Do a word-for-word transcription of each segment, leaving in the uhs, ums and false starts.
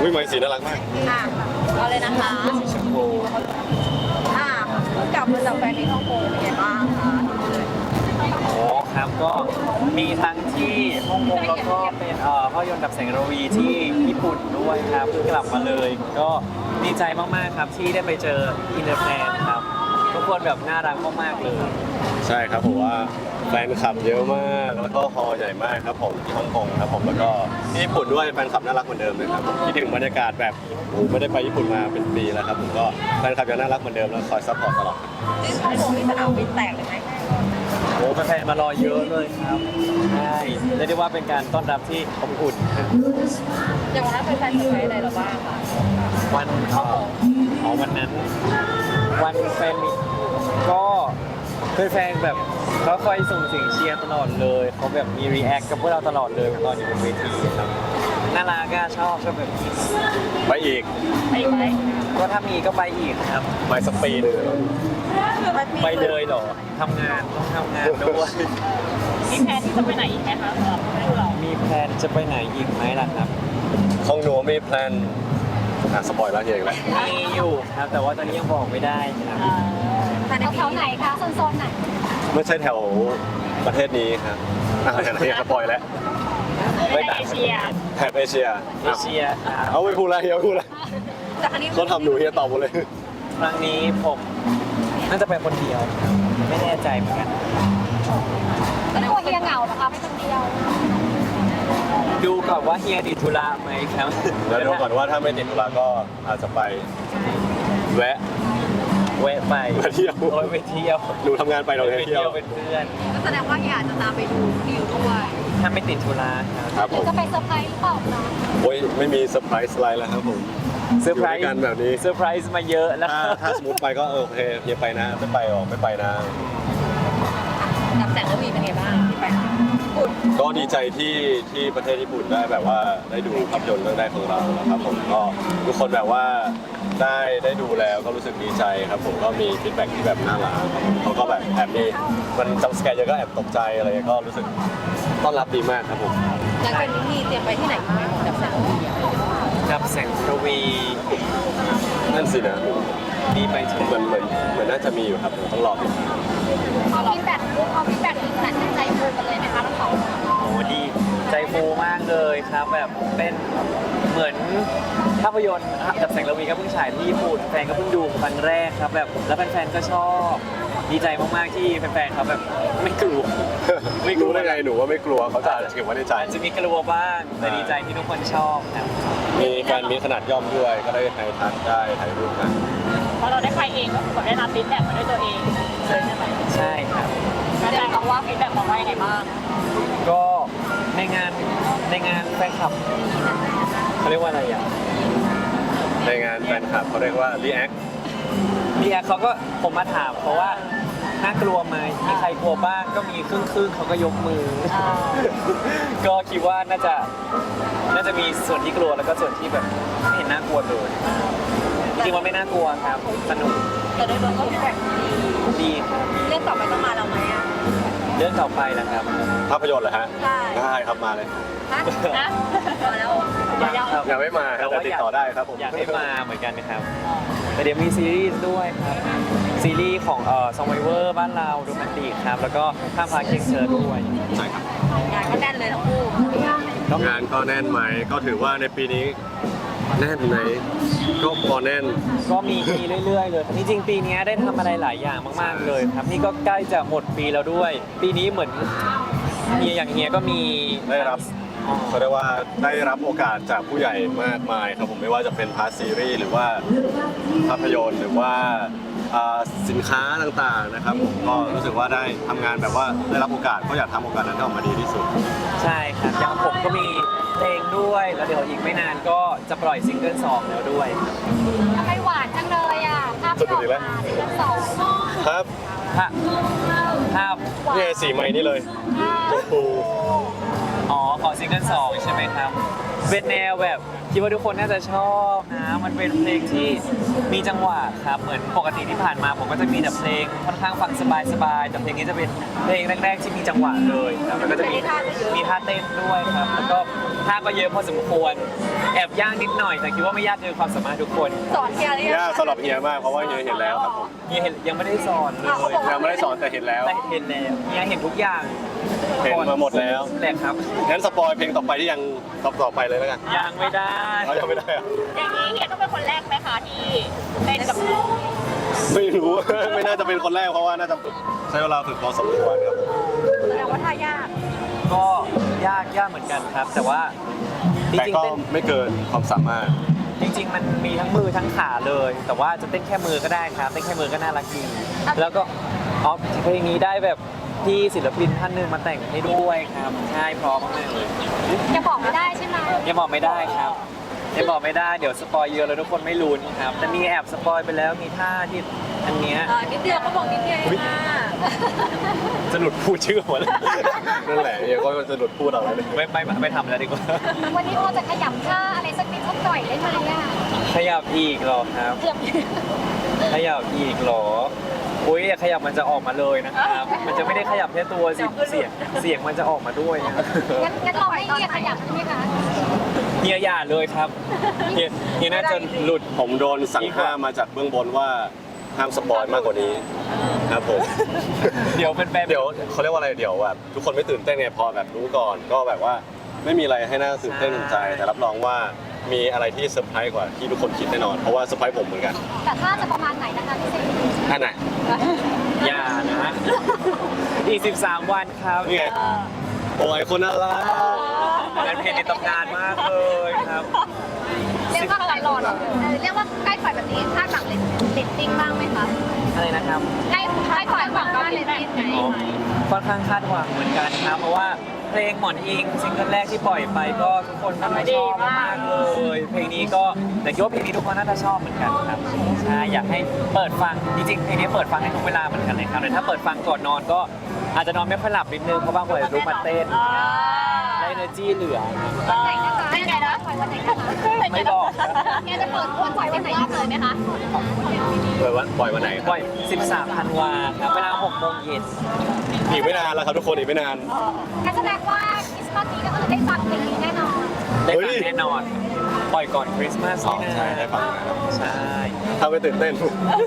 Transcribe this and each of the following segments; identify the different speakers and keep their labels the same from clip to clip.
Speaker 1: อุ้ยไม้สีน่ารักมาก
Speaker 2: อ่ะเอาเลยนะคะ
Speaker 1: ชมพู
Speaker 2: อ่ะกลับมาจากแฟนในฮ่องกงเป็นไงบ้างคะ
Speaker 3: โอ้ครับก็มีทั้งที่ฮ่องกงแล้วก็เป็นเอ่อภาพยนตร์ดับแสงระวีที่ญี่ปุ่นด้วยครับเพิ่งกลับมาเลย ก็ดีใจมากๆครับที่ได้ไปเจออินเตอร์แฟนครับทุกคนแบบน่ารักมากๆเลย
Speaker 1: ใช่ครับผมว่าแฟนคลับเยอะมากแล้วก็ฮอลล์ใหญ่มากครับผมที่ฮ่องกงครับผมแล้วก็ที่ญี่ปุ่นด้วยแฟนคลับน่ารักเหมือนเดิมเลยครับผมคิดถึงบรรยากาศแบบโอ้ไม่ได้ไปญี่ปุ่นมาเป็นปีแล้วครับผมก็แฟนคลับยังน่ารักเหมือนเดิมแล้วคอยซัพพอร์ตตลอด
Speaker 2: ที่ฮ่องกงนี่สนามบินแตกเลยไหม
Speaker 3: โอ้แฟนๆมารอเยอะเลยครับใช่เรียกได้ว่าเป็นการต้อนรับที่อบอุ่นครับ
Speaker 2: อย่างวันนั้นแฟนๆเซอร์ไพรส์อะไรเราบ้างคะ
Speaker 3: วันเอ่ออ๋อวันนั้น วันแฟนมิตก็แฟนๆแบบเขาคอยส่งเสียงเชียร์ตลอดเลยเขาแบบมีรีแอคกับพวกเราตลอดเลยตอนอยู่บนเวทีครับน่ารักก็ชอบก็แบบนี้
Speaker 1: ไปอีก
Speaker 2: ไปไหม
Speaker 3: ก็ถ้ามีก็ไปอีกครับ
Speaker 1: ไปสปีด
Speaker 3: ไปเลยเหรอทำงานต้องทำงานด้วย
Speaker 2: มีแพลนที่จะไปไหนอีกไหมคะสำหรับพวกเรา
Speaker 3: มีแพลนจะไปไหนอีกไหมล่ะครับ
Speaker 1: ของหนูมีแพลนอ่ะสปอยล์แล้วเองแหละ
Speaker 3: มีอยู่ครับแต่ว่าตอนนี้ยังบอกไม่ได้ครับ
Speaker 2: แถวไหนคะโซนๆไหน
Speaker 1: ไม่ใช่แถวประเทศนี้ครับอ่ะแถวไหนสปอยล์แล้ว
Speaker 2: ไม่เอเชีย
Speaker 1: แถบเอเชีย
Speaker 3: เอเชียครับ
Speaker 1: เอาไปพูดแล้วเฮียพูดแล้ว
Speaker 2: แต่ครั้งนี้
Speaker 1: เขาทำหนูเฮียตอบหมดเลย
Speaker 3: ครั้งนี้ผมน่าจะไปคนเดียวครับไม่แน่ใจเหมือนกัน
Speaker 2: แสดงว่าเฮียเหงาเหรอคะไม่คนเดียว
Speaker 3: ดูก่อนว่าเฮียติดธุระไหมครับ
Speaker 1: แล้วดูก่อนว่าถ้าไม่ติดธุระก็อาจจะไปแวะ
Speaker 3: แวะไป
Speaker 1: ไปเที่ยว
Speaker 3: โอ้ยไปเที่ยว
Speaker 1: หนูทำงานไปเรา
Speaker 3: ไป
Speaker 1: ไป
Speaker 3: เที่
Speaker 1: เที่
Speaker 3: ย
Speaker 1: ยว ว
Speaker 3: เป็นเพื่อน
Speaker 2: ก็แสดงว่าเฮียอาจจะตามไปดูดิวด้วย
Speaker 3: ถ้าไม่ติดธุระครับ
Speaker 1: ครับผม
Speaker 2: จะไปเซอร์ไพรส์หรือเปล่าคะ
Speaker 1: โอ้ยไม่มีเซอร์ไพรส์อะไรแล้วครับผม
Speaker 3: เซอร์ไพร
Speaker 1: อยู่
Speaker 3: ส์
Speaker 1: ด้วยกันแบบนี้
Speaker 3: เซอร์ไพรส์มาเยอะแล้ว
Speaker 1: ถ้าถ้าสมมติไปก็เออโอเคเฮียไปนะไม่ไปหรอกไม่ไปนะ
Speaker 2: ดับแสงระวีเป็นไงบ้างที่ไปปุ่น
Speaker 1: ก็ดีใจที่ที่ประเทศญี่ปุ่นได้แบบว่าได้ดูภาพยนตร์เรื่องแรกของเรานะครับผมก็ทุกคนแบบว่าได้ได้ดูแล้วก็รู้สึกดีใจครับผมก็มีฟีดแบ็กที่แบบน่ารักครับผมเขาก็แบบแอบมีมันจำสแกร์เยอะก็แอบตกใจอะไรก็รู้สึกต้อนรับดีมากครับผม
Speaker 2: หลังจากนี้มีเตรียมไปที่ไหนอีกไหมดับแสงระวีอะ
Speaker 3: กับแสงระวี
Speaker 1: นั่นสินะ
Speaker 3: มีไปถึง
Speaker 1: เหมือนเหมือนเหมือนน่าจะมีอยู่ครับผมต้องรอติดตาม
Speaker 2: เอาฟีดแบ็กเอาฟีดแบ็กอีกแต่ใจฟูกันเลยนะคะทั้งสอง
Speaker 3: โอ้ดีใจฟูมากเลยครับแบบเป็นเหมือนภาพยนตร์กับแสงระวีก็เพิ่งฉายที่ญี่ปุ่นแฟนก็เพิ่งดูครั้งแรกครับแบบแล้วแฟนๆก็ชอบดีใจมากๆที่แฟนๆเขาแบบไม่กลัว
Speaker 1: ไม่รู้ได้ไงหนูว่าไม่กลัวเขาจะเก็บไว้ในใจ
Speaker 3: อาจจะมีกลัวบ้างแต่ดีใจที่ทุกคนชอบครับ
Speaker 1: มีการมีขนาดย่อมด้วยก็ได้ถ่ายทันได้ถ่ายรูปกัน
Speaker 2: เพราะเราได้ไปเองก็คือได้รับฟีดแบ็กมาด้วยตัวเองเลยใช่ไหม
Speaker 3: ใช่ครับ
Speaker 2: แฟนบอกว่าฟีดแบ็กบอกว่ายังไงบ้าง
Speaker 3: ก็ในงานในงานแฟนคลับเขาเรียกว่าอะไรอ่ะ
Speaker 1: ในงานแฟนคลับเขาเรียกว่า react
Speaker 3: พี่แอร์เขาก็ผมมาถามเพราะว่าน่ากลัวไหมมีใครกลัวบ้างก็มีครึ่งครึ่งๆเขาก็ยกมือ ก็คิดว่าน่าจะน่าจะมีส่วนที่กลัวแล้วก็ส่วนที่แบบไม่เห็นน่ากลัวเลยจริงๆว่าไม่น่ากลัวครับสนุก
Speaker 2: แต่โดยรวมก็ฟีดแบ็กดี
Speaker 3: ดีครับ
Speaker 2: เรื่องต่อไปต้องมาเราไหมอ่ะ
Speaker 3: เรื่องต่อไปนะครับ
Speaker 1: ภาพยนตร์เหรอฮะ
Speaker 2: ใช่
Speaker 1: ได้ครับมาเลย
Speaker 2: ฮะนะมาแล้ว
Speaker 3: อยากครับ
Speaker 1: ยังไม่มาครับแต่ติดต่อได้ครับผม
Speaker 3: อยากให้มาเหมือนกันนะครับแต่เดี๋ยวมีซีรีส์ด้วยครับซีรีส์ของเอ่อซองไวเวอร์บ้านเราโรแมนติกครับแล้วก็ข้ามพาเค้กเชิญด้วย
Speaker 1: ใช่ครับ
Speaker 2: งานก็แน่นเลยทั้งคู่
Speaker 1: งานก็แน่นไหมก็ถือว่าในปีนี้แน่นไหมก็พอแน่น
Speaker 3: ก็มีมีเรื่อยๆเลยจริงๆปีนี้ได้ทำอะไรหลายอย่างมากๆเลยครับนี่ก็ใกล้จะหมดปีแล้วด้วย ปีนี้เหมือนเฮียอย่างเฮียก็มี
Speaker 1: ได้รับเขาเรียกว่าได้รับโอกาสจากผู้ใหญ่มากมายครับผมไม่ว่าจะเป็นพาร์ทซีรีส์หรือว่าภาพยนตร์หรือว่าอ่าสินค้าต่างๆนะครับผมก็รู้สึกว่าได้ทำงานแบบว่าได้รับโอกาสก็อยากทำโอกาสนั้นให้ออกมาดีที่สุด
Speaker 3: ใช่ครับอย่างผมก็มีเพลงด้วยแล้วเดี๋ยวอีกไม่นานก็จะปล่อยซิงเกิลสองแล้วด้วยครับ
Speaker 2: ทำไมหวานจังเลยอ่ะภาพที่ออกมาซิงเกิลสอง
Speaker 1: ครับ
Speaker 3: ภาพภาพ
Speaker 1: เนี่ยสีไม้นี่เลยชมพู
Speaker 3: อ๋อของซิงเกิลสองใช่ไหมครับเป็นแนวแบบคิดว่าทุกคนน่าจะชอบนะมันเป็นเพลงที่มีจังหวะครับเหมือนปกติที่ผ่านมาผมก็จะมีแต่เพลงค่อนข้างฟังสบายๆแต่เพลงนี้จะเป็นเพลงแรกๆที่มีจังหวะเลยครับแล้วก็จะมีมีท่าเต้นด้วยครับแล้วก็ท่าก็เยอะพอสมควรแอบยากนิดหน่อยแต่คิดว่าไม่ยากเกินความสามารถทุกคน
Speaker 2: สอนเฮียหรือยัง
Speaker 1: ยากสำหรับเฮียมากเพราะว่าเฮียเห็นแล้วครับผม
Speaker 3: เฮียเห็นยังไม่ได้สอนเลย
Speaker 1: ยังไม่ได้สอนแต่เห็นแล้ว
Speaker 3: แต่เห็นแล้วเฮียเห็นทุกอย่าง
Speaker 1: เห็นมาหมดแล้ว
Speaker 3: แหละครับ
Speaker 1: งั้นสปอยเพลงต่อไปที่ยังต่อต่อไปเลยแล้วกัน
Speaker 3: ยังไม่ได้
Speaker 1: เขายังไม่ได้อะ
Speaker 2: อย่างนี้เฮียต้องเป็นคนแรกไหมคะที่เต้นกับน้อง
Speaker 1: ไม่รู้ ไม่น่าจะเป็นคนแรกเพราะว่าน่าจะใช้เวลาฝึกพอสมควรครับผม
Speaker 2: แสดงว่าท่ายาก
Speaker 3: ก็ยากยากเหมือนกันครับ แต่ว่าจ
Speaker 1: แต่
Speaker 3: ริง
Speaker 1: ก็
Speaker 3: ๆเต้น
Speaker 1: ไม่เกินความสามารถ
Speaker 3: จริง ๆ มันมีทั้งมือทั้งขาเลย แต่ว่าจะเต้นแค่มือก็ได้ครับเต้นแค่มือก็น่ารักดีแล้วก็อ๋อเพลงนี้ได้แบบที่ศิลปินท่านหนึ่งมาแต่งให้ด้วยครับใช่พร้อมมากเลย
Speaker 2: จะบอกไม่ได้ใช่ไหม
Speaker 3: ยังบอกไม่ได้ครับยังบอกไม่ได้เดี๋ยวสปอยเยอะแล้วทุกคนไม่ลุ้นครับแต่มีแอบสปอยไปแล้วมีท่าที่อันเนี้ย
Speaker 2: เออนิดเดียวก็บอกนิดเดียวเองค่ะ
Speaker 3: จะหลุดพูดชื่อหมดเลย
Speaker 1: นั่นแหละเฮียก็จะหลุดพูดเอาแล้วเลย
Speaker 3: ไม่ไม่ไม่ทำแล้วดีกว่า
Speaker 2: วันนี้พอจะขยำท่าอะไรสักนิดสักหน่อยได้ไหมอ่ะ
Speaker 3: ขยับอีกเหรอครับ
Speaker 2: เกือบ
Speaker 3: ขยับอีกเหรออุ้ยอย่าขยับมันจะออกมาเลยนะครับ มันจะไม่ได้ขยับแค่ตัวสิเสียงเสียงมันจะออกมาด้วยนะ
Speaker 2: งั้นงั้นเราให้เฮียขยับใช่ไหมคะ
Speaker 3: เฮียอย่าเลยครับเฮียเฮียน่าจะหลุด
Speaker 1: ผมโดนสั่งห้ามมาจากเบื้องบนว่าห้ามสปอยมากกว่านี้ครับผม
Speaker 3: เดี๋ยวเป็นแฟน
Speaker 1: เดี๋ยวเขาเรียกว่าอะไรเดี๋ยวแบบทุกคนไม่ตื่นเต้นไงพอแบบรู้ก่อน ก็แบบว่าไม่มีอะไรให้น่าตื่นเต้นตื่นใจ แต่รับรองว่ามีอะไรที่เซอร์ไพรส์กว่าที่ทุกคนคิดแน่นอนเพราะว่าเซอร์ไพรส์ผมเหมือนกัน
Speaker 2: แต่ท่าจะประมาณไหนนะคะพี่เซน
Speaker 1: ท่านไหน
Speaker 3: อย่านะอีกสิบสามวันครับ
Speaker 1: นี่ไงโอ้ยคนน่ารัก
Speaker 3: เป็นเพลงในตำนานมากเลยครับ
Speaker 2: เรียกว่าใกล้รอหรอเรียกว่าใกล้ปล่อยแบบนี้คาดหวังเลตติ้งบ้างไหมคะ
Speaker 3: อะไรนะครับ
Speaker 2: ใกล้ใกล้ปล่อยหวังว่าเลตติ้งไหม
Speaker 3: อ๋อค่อนข้างคาดหวังเหมือนกันครับเพราะว่าเพลงหมอนอิงซิงเกิลแรกที่ปล่อยไปก็ทุกคนน่าจะชอบมากเลยเพลงนี้ก็แต่คิดว่าเพลงนี้ทุกคนน่าจะชอบเหมือนกันครับใช่อยากให้เปิดฟังจริงๆเพลงนี้เปิดฟังให้ทุกเวลาเหมือนกันเลยครับแต่ถ้าเปิดฟังก่อนนอนก็อาจจะนอนไม่ค่อยหลับนิดนึงเพราะบางคนลุกมาเต้นได้ energy เหลือครับ
Speaker 2: วันไหนนะคะไม่ไงนะปล่อยวันไหนนะคะ
Speaker 3: ไม่บอก
Speaker 2: แกจะเปิดวันปล่อยวันไหนเลยไหมคะ
Speaker 1: ปล่อยวันปล่อยวันไหนค
Speaker 3: ป
Speaker 1: รับ
Speaker 3: ล่อยสิบสามธันวาครับเวลาหกโมงเย็น
Speaker 1: อีกไม่นานแล้วครับทุกคนอีกไม่นาน
Speaker 2: งั้นแสดงว่าคริสต์มาสนี้ก็คือได้ฟังเพลงนี้แน่นอน
Speaker 3: ได้
Speaker 1: เฮ้
Speaker 3: ฟัง
Speaker 1: ย
Speaker 3: แน่นอน ปล่อยก่อนคริสต์มาส
Speaker 1: อ๋อ
Speaker 3: นี่นะ
Speaker 1: ใช่ได้ฟังนะครับ
Speaker 3: ใช่
Speaker 1: ถ้าไม่ตื่นเต้น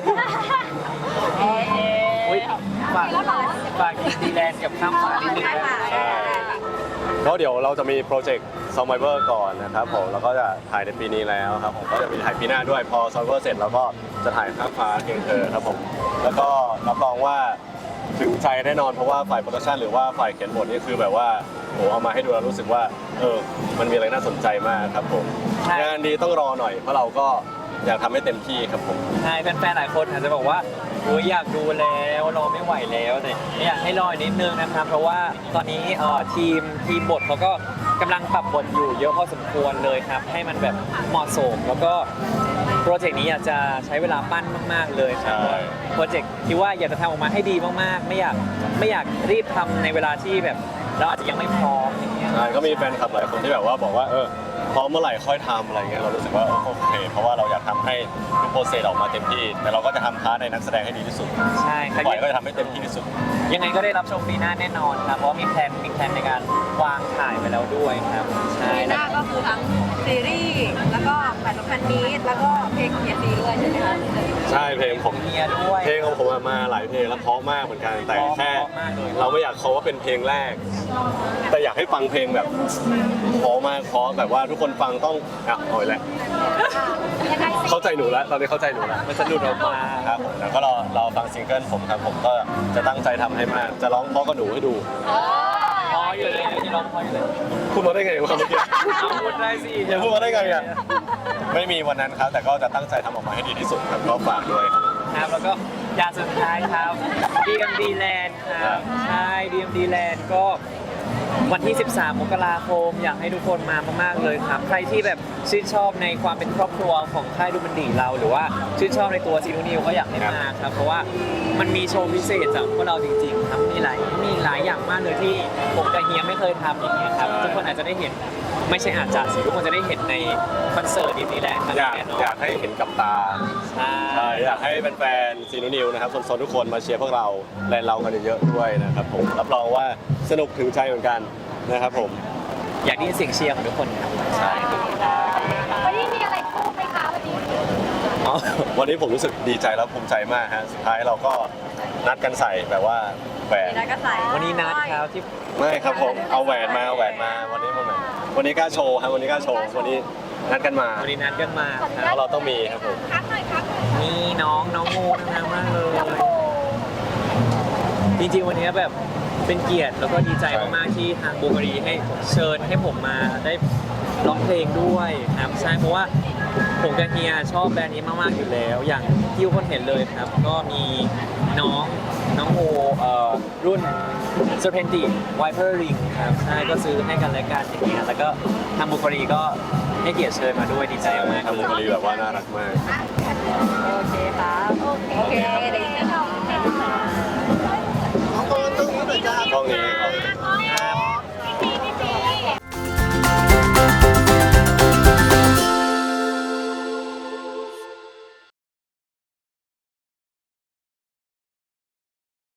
Speaker 3: อุ้ยฝากฝากดิสนีย์แลนด์กับข้ามฟ้านิดนึงนะ
Speaker 1: ใช่ เพราะเดี๋ยวเราจะมีโปรเจกต์ ซอมไบเวอร์ก่อนนะครับผมแล้วก็จะถ่ายในปีนี้แล้วครับผมก็จะมีถ่ายปีหน้าด้วยพอซอมไบเวอร์เสร็จแล้วก็จะถ่ายข้ามฟ้าเพียงเธอครับผมแล้วก็รับรองว่าถึงใจแน่นอนเพราะว่าฝ่ายโปรดักชันหรือว่าฝ่ายเขียนบทนี่คือแบบว่าโหเอามาให้ดูแล้วรู้สึกว่าเออมันมีอะไรน่าสนใจมากครับผมงานดีต้องรอหน่อยเพราะเราก็อยากทำให้เต็มที่ครับผม
Speaker 3: ใช่แฟนๆหลายคนอาจจะบอกว่าโอ้ยอยากดูแล้วรอไม่ไหวแล้วแต่อยากให้รออีกนิดนึงนะครับ เพราะว่าตอนนี้เอ่อทีมทีมบทเขาก็กำลังปรับบทอยู่เยอะพอสมควรเลยครับ ให้มันแบบเหมาะสมแล้วก็โปรเจกต์นี้อยากจะใช้เวลาปั้นมาก ๆเลยครับ
Speaker 1: ใช่
Speaker 3: โปรเจกต์คิดว่าอยากจะทำออกมาให้ดีมากๆ ไม่อยากไม่อยากรีบทำในเวลาที่แบบเราอาจจะยังไม่พร้อมอย่างเงี้ย
Speaker 1: ใช่ก็มีแฟนคลับหลายคนที่แบบว่าบอกว่าเออพร้อมเมื่อไหร่ค่อยทำอะไรเงี้ยเรารู้สึกว่าเออโอเค เพราะว่าเราอยากทำให้ทุกโปรเซสออกมาเต็มที่ แต่เราก็จะทำพาร์ทในนักแสดงให้ดีที่สุด
Speaker 3: ใช่ครับ
Speaker 1: ปล่อยก็จะทำให้เต็มที่ที่สุด
Speaker 3: ยังไงก็ได้รับชมปีหน้าแน่นอนครับเพราะว่ามีแพลนมีแพลนในการวางถ่ายไปแล้วด้วยครับใช่
Speaker 2: ปีห
Speaker 3: แล้ว
Speaker 2: น้าก็คือทั้งซีรีส์แล้วก็แฟนพันมีดแล้วก็เพลงของเฮียซีด้วยใช่ไหมคะ
Speaker 1: ใช่เพลงผม
Speaker 3: เมียด้วย
Speaker 1: เพลงของผมอะมาหลายเพลงแล้วเพราะมากเหมือนกันแต่แค่
Speaker 3: เพราะมากเลย
Speaker 1: เราไม่อยากเขาว่าเป็นเพลงแรก แต่อยากให้ฟังเพลงแบบเพราะมากเพราะแบบว่าทุกคนฟังต้องอ่ะเอาอีกแล้ว
Speaker 2: ยังไงสิ
Speaker 1: เข้าใจหนูแล้วตอนนี้เข้าใจหนูแล้ว
Speaker 3: มันจะหลุดออกมา
Speaker 1: ครับผมแล้วก็รอรอฟังซิงเกิลผมครับผมก็จะตั้งใจทำให้มากจะร้องเพราะกับหนูให้ดู
Speaker 3: พออยู่เลยที่ร้องพออยู่เลย
Speaker 1: พูดมาได้ไงวะคำเมื่อกี้
Speaker 3: เอาพูดได้สิ
Speaker 1: อย่าพูดมาได้ไงอ่ะไม่มีวันนั้นครับ แต่ก็จะตั้งใจทำออกมาให้ดีที่สุดครับก็ฝากด้วยครับ
Speaker 3: ครับแล้วก็ยาสุดท้ายครับ ดี เอ็ม ดี Land ครับใช่ ดี เอ็ม ดี Land ก็วันที่ สิบสาม มกราคมอยากให้ทุกคนมามากๆเลยครับ ใครที่แบบชื่นชอบในความเป็นครอบครัวของค่ายดูมันดีเรา หรือว่าชื่นชอบในตัวซีนูนิวก็อยากให้มาครับ เพราะว่ามันมีโชว์พิเศษจากพวกเราจริงๆครับมีหลายมีหลายอย่างมากเลยที่ผมกับเฮียไม่เคยทำอย่างเงี้ยครับทุกคนอาจจะได้เห็นไม่ใช่อาจจะสิทุกคนจะได้เห็นในคอนเสิร์ตดีๆแลนด์
Speaker 1: อยาก
Speaker 3: แน่นอน
Speaker 1: อยากให้เห็นกับตา
Speaker 3: ใช่
Speaker 1: ใช่อยากให้แฟนๆซีนูนิวนะครับโซนๆทุกคนมาเชียร์พวกเราและเรากันเยอะๆด้วยนะครับผมรับรองว่าสนุกถึงใจเหมือนกันนะครับผม
Speaker 3: อยากได้ยินเสียงเชียร์ของทุกคนครับ
Speaker 1: ใช่
Speaker 2: ขอบคุณค่ะ
Speaker 3: อ๋อ
Speaker 1: วันนี้ผมรู้สึกดีใจแล้วภูมิใจมากฮะสุดท้ายเราก็นัดกันใส่แบบว่าแหวน
Speaker 4: มีนัดก็ใส่
Speaker 3: วันนี้นัดครับที่
Speaker 1: ไม่ครับผมเอาแหวนมาเอาแหวนมาวันนี้วันไหนวันนี้กล้าโชว์ครับวันนี้กล้าโชว์วันนี้นัดกันมา
Speaker 3: วันนี้นัดกันมา
Speaker 2: ขออนุ
Speaker 3: ค
Speaker 2: ญ
Speaker 3: รับ
Speaker 2: ต
Speaker 1: เราต้องมีครับผม
Speaker 2: คักหน่อยคักหน่อย
Speaker 3: นี่น้องน้องงูน่ารักมากเลย
Speaker 2: น้องโบ
Speaker 3: จริงๆวันนี้แบบเป็นเกียรติแล้วก็ดีใจมากๆที่ทางบูการีให้เชิญให้ผมมาได้ร้องเพลงด้วยครับใช่เพราะว่าผมกับเฮียชอบแบรนด์นี้มากๆอยู่แล้ว อย่างที่ทุกคนเห็นเลยครับ ก็มีน้องน้องโมเอ่อรุ่น Serpentine Viper Ring ครับใช่ก็ซื้อให้กันและกันอย่างเงี้ยแล้วก็ทางบูการีก็ให้เกียรติเชิญมาด้วยดีใจมากๆ
Speaker 1: ทำบุคลีแบบว่าน่ารักมาก
Speaker 4: โอเคครับ
Speaker 2: โอเคเดี๋ยวจะชอบ
Speaker 1: กล้องนี้